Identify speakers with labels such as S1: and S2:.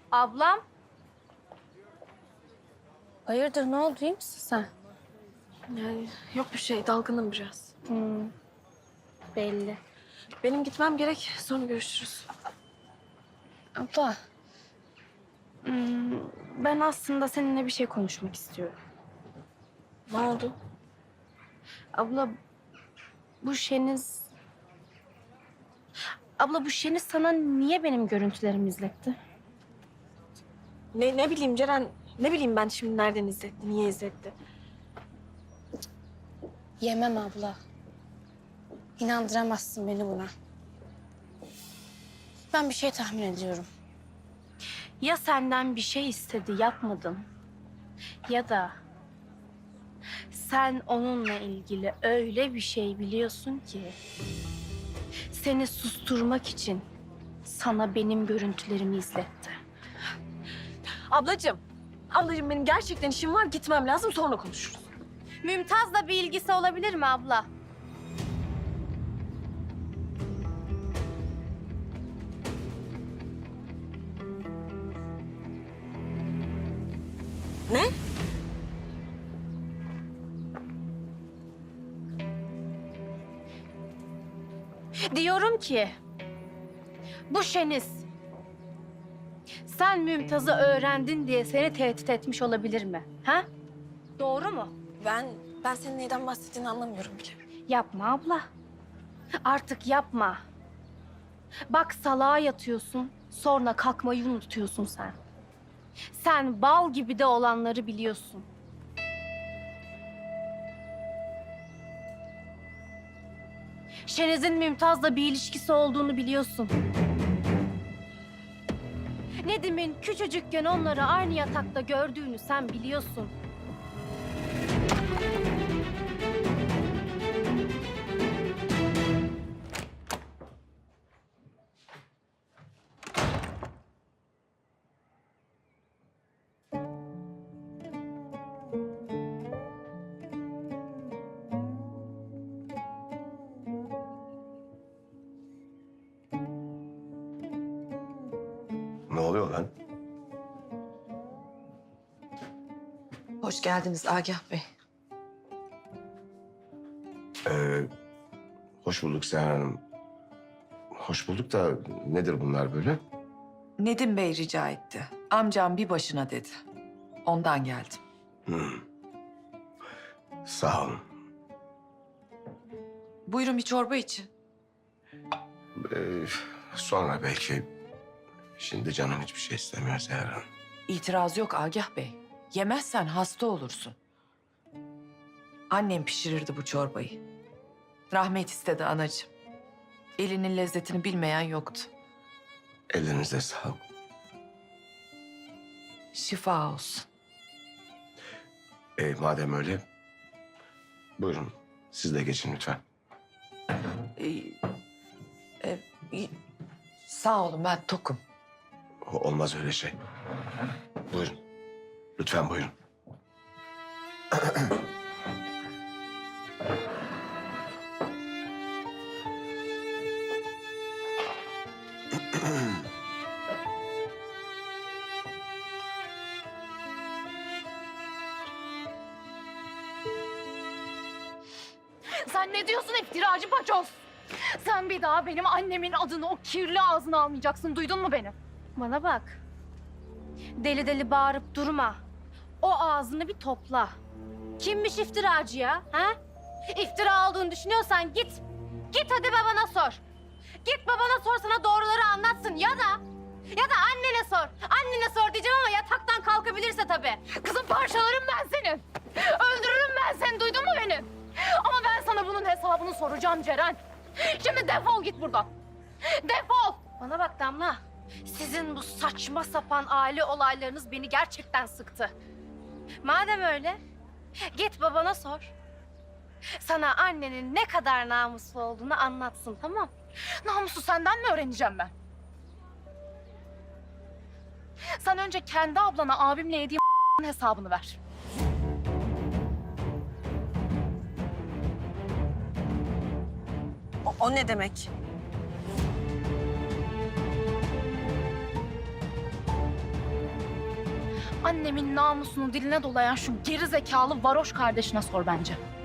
S1: Ablam. Hayırdır, ne oldu, iyi misin sen?
S2: Yani yok bir şey, dalgınım biraz.
S1: Belli.
S2: Benim gitmem gerek, sonra görüşürüz.
S1: Abla. Ben aslında seninle bir şey konuşmak istiyorum.
S2: Ne oldu?
S1: Abla, bu Şeniz... Abla, bu Şeniz sana niye benim görüntülerimi izletti?
S2: Ne bileyim Ceren, ne bileyim ben şimdi nereden izletti, niye izletti?
S1: Yemem abla. İnandıramazsın beni buna. Ben bir şey tahmin ediyorum. Ya senden bir şey istedi, yapmadın. Ya da sen onunla ilgili öyle bir şey biliyorsun ki... seni susturmak için sana benim görüntülerimi izletti.
S2: Ablacığım benim gerçekten işim var, gitmem lazım, sonra konuşuruz.
S1: Mümtaz'la bir ilgisi olabilir mi abla?
S2: Ne?
S1: Diyorum ki bu Şeniz sen Mümtaz'ı öğrendin diye seni tehdit etmiş olabilir mi? Ha? Doğru mu?
S2: Ben senin neyden bahsettiğini anlamıyorum bile.
S1: Yapma abla. Artık yapma. Bak salağa yatıyorsun, sonra kalkmayı unutuyorsun sen. Sen bal gibi de olanları biliyorsun. Şeniz'in Mümtaz'la bir ilişkisi olduğunu biliyorsun. Nedim'in küçücükken onları aynı yatakta gördüğünü sen biliyorsun.
S3: Ne oluyor lan?
S4: Hoş geldiniz Agah Bey.
S3: Hoş bulduk Seher Hanım. Hoş bulduk da nedir bunlar böyle?
S4: Nedim Bey rica etti. Amcam bir başına dedi. Ondan geldim.
S3: Sağ olun.
S4: Buyurun bir çorba için.
S3: Sonra belki. Şimdi canım hiçbir şey istemiyor Seher Hanım.
S4: İtiraz yok Agah Bey. Yemezsen hasta olursun. Annem pişirirdi bu çorbayı. Rahmet istedi anacığım. Elinin lezzetini bilmeyen yoktu.
S3: Ellerinize sağlık.
S4: Şifa olsun.
S3: Madem öyle, buyurun siz de geçin lütfen.
S4: E, Sağ olun ben tokum.
S3: Olmaz öyle şey. Buyurun. Lütfen buyurun.
S5: Sen ne diyorsun iftiracı paçoz? Sen bir daha benim annemin adını o kirli ağzına almayacaksın. Duydun mu beni?
S1: Bana bak. Deli deli bağırıp durma. O ağzını bir topla. Kimmiş iftiracı ya? Ha? İftira olduğunu düşünüyorsan git. Git hadi babana sor. Git babana sor, sana doğruları anlatsın ya da annene sor. Annene sor diyeceğim ama yataktan kalkabilirse tabii.
S5: Kızım parçalarım ben seni. Öldürürüm ben seni. Duydun mu beni? Ama ben sana bunun hesabını soracağım Ceren. Şimdi defol git buradan. Defol.
S1: Bana bak Damla. Sizin bu saçma sapan aile olaylarınız beni gerçekten sıktı. Madem öyle, git babana sor. Sana annenin ne kadar namuslu olduğunu anlatsın, tamam?
S5: Namusu senden mi öğreneceğim ben? Sen önce kendi ablana abimle yediğim hesabını ver.
S2: O ne demek?
S5: Annemin namusunu diline dolayan şu geri zekalı varoş kardeşine sor bence.